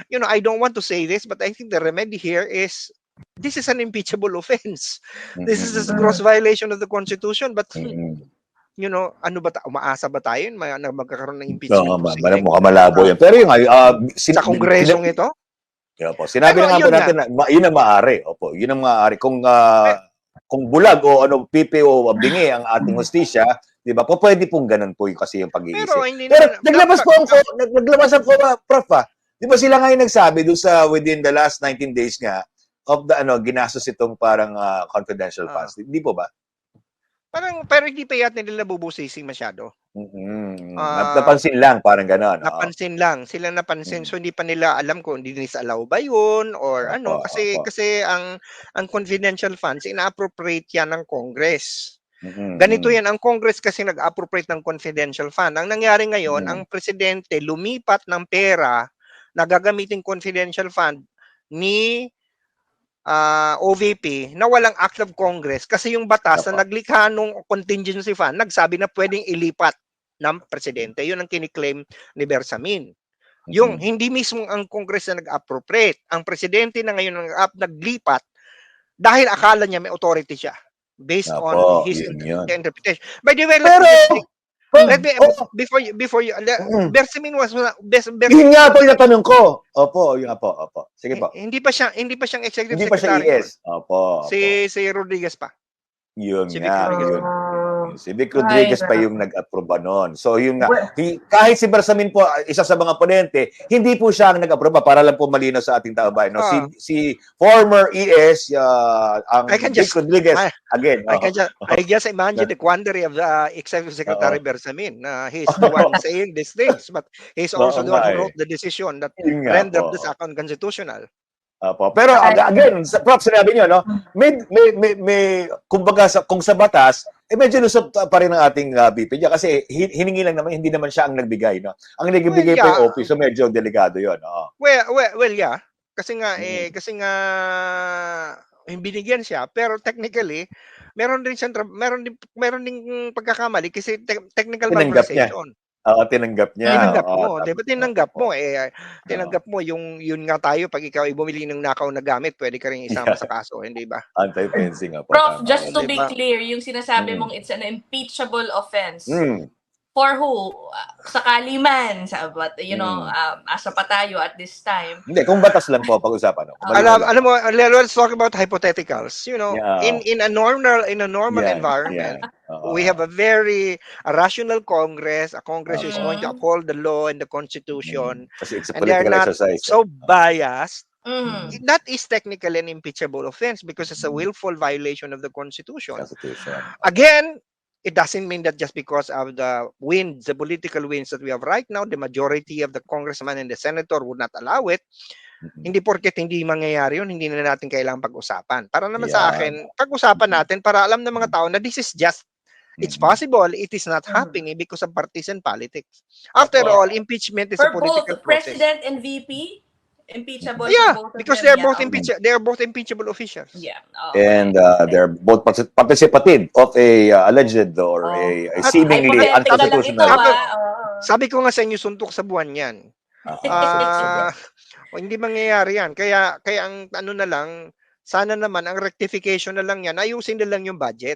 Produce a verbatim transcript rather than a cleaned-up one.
you know, I don't want to say this, but I think the remedy here is this is an impeachable offense. This is a gross violation of the Constitution. But, you know, ano ba, umaasa ba tayo na magkakaroon ng impeachment no, proceeding? mukhang malabo yan. Pero yung, uh, sa kongresong ito? Yeah, po. Sinabi Pero na nga po yun natin nga. na yun ang maaari. Opo, yun ang maaari. Kung uh, kung bulag o ano P P O bingi ang ating hustisya, 'di ba? Po pwede pong ganun po yung kasi yung pag-iisip. Pero hindi Pero naman, naglabas dapat- po ang nag- naglabas ang uh, prof ah. 'Di ba sila ngayon nagsabi doon sa within the last nineteen days nga of the ano ginastos itong parang uh, confidential Ah. funds. Hindi po ba? Parang pero hindi pa yata nila nabubusisi masyado. Mm-hmm. Ah, napansin lang, parang gano'n. Napansin lang, sila napansin. So hindi pa nila alam kung disallow ba 'yun or Opo, ano kasi opo. kasi ang ang confidential funds ina-appropriate 'yan ng Congress. Mm-hmm. Ganito 'yan, ang Congress kasi nag-appropriate ng confidential fund. Ang nangyari ngayon, Mm. ang presidente lumipat ng pera na gagamiting confidential fund ni ah, O V P na walang act of Congress kasi yung batas Opo. na naglikha nung contingency fund nagsabi na pwedeng ilipat ng presidente. Yun ang kiniklaim ni Bersamin. Yung Mhm. hindi mismo ang Congress na nag-appropriate, ang presidente na ngayon nag naglipat dahil akala niya may authority siya based Opo, on his yun inter- yun. interpretation. By the way, let Pero, me just say- let me oh, before you before you Mm. Bersamin was Bers, Bers, yun nga po yung natanong ko. Opo, yun nga po, opo. Sige po. hindi pa siya hindi pa siyang executive Hindi pa siya secretary. E S. Opo, opo. Si si Rodriguez pa. Yun Si Vic nga, Rodriguez. yun. Si Vic Rodriguez Ay, pa yung nag-aproba noon. So yun nga, hi- kahit si Bersamin po, isa sa mga ponente, hindi po siya ang nag-aproba para lang po malinaw sa ating tabayan. No? Si, Ah. si former E S, uh, ang I can Vic just- Rodriguez, I- again. I oh. can just I just imagine the quandary of the executive secretary Oo. Bersamin. Uh, he's the one saying these things, but he's also Oo the one nga who eh. wrote the decision that Yun nga rendered po. this act unconstitutional. Opo. Pero ag- again, sa Prof, sinabi niyo, no? May, may, may, may kumbaga, sa, kung sa batas, eh medyo lusot pa rin ang ating uh, B P niya kasi hin- hiningi lang naman, hindi naman siya ang nagbigay, no? Ang nagbigay Well, pa yung yeah. O P, so medyo delikado yun. Oo. Well, well, well, yeah. Kasi nga, Mm. eh, kasi nga, eh, binigyan siya, pero technically, meron din siyang, tra- meron din, meron din pagkakamali kasi te- technical Tinanggap niya. malversation. Oo, tinanggap niya. Tinanggap Oo, mo, tama. di ba? Tinanggap Opo. mo, eh, tinanggap mo yung, yun nga tayo, pag ikaw ay bumili ng nakaw na gamit, pwede ka rin isama Yeah. sa kaso, hindi ba? Anti-fencing nga po. Prof, tama. just to be Diba? clear, yung sinasabi Mm. mong it's an impeachable offense. Mm. For who? Uh, sakali man, sa, but, you know, Mm. um, asa pa tayo at this time. Hindi, kung batas lang po pag-usapan. No? Kung Alam, malinaw alam mo, let's talk about hypotheticals. You know, Yeah. in in a normal in a normal Yan, environment, yan. Oo. we have a very a rational Congress, a Congress who is going to Mhm. uphold the law and the Constitution, Mm. Kasi it's a and they are political not exercise. so biased. Mm. That is technically an impeachable offense because it's a willful violation of the Constitution. Constitution. Again, it doesn't mean that just because of the winds, the political winds that we have right now, the majority of the congressman and the senator would not allow it. Mhm. Hindi porket hindi mangyayari yun, hindi na natin kailangang pag-usapan. Para naman sa Yan. akin, pag-usapan natin para alam ng mga tao na this is just, it's Mhm. possible, it is not happening because of partisan politics. After Opo. all, impeachment is For a political both process. President and V P, impeachable Yeah, for both of because them. they're Yeah, both okay. impeach they are both impeachable officials. Yeah. Oh, And okay. uh, they're both partic- participative of a uh, alleged or Oh. a, a At seemingly Hypothetical lang ito, unconstitutional. ah. Oo. Sabi ko nga sa inyo, suntok sa buwan yan. Ah, Ah, o, hindi mangyayari yan. Kaya kaya ang ano na lang, sana naman ang rectification na lang yan, ayusin na lang yung budget.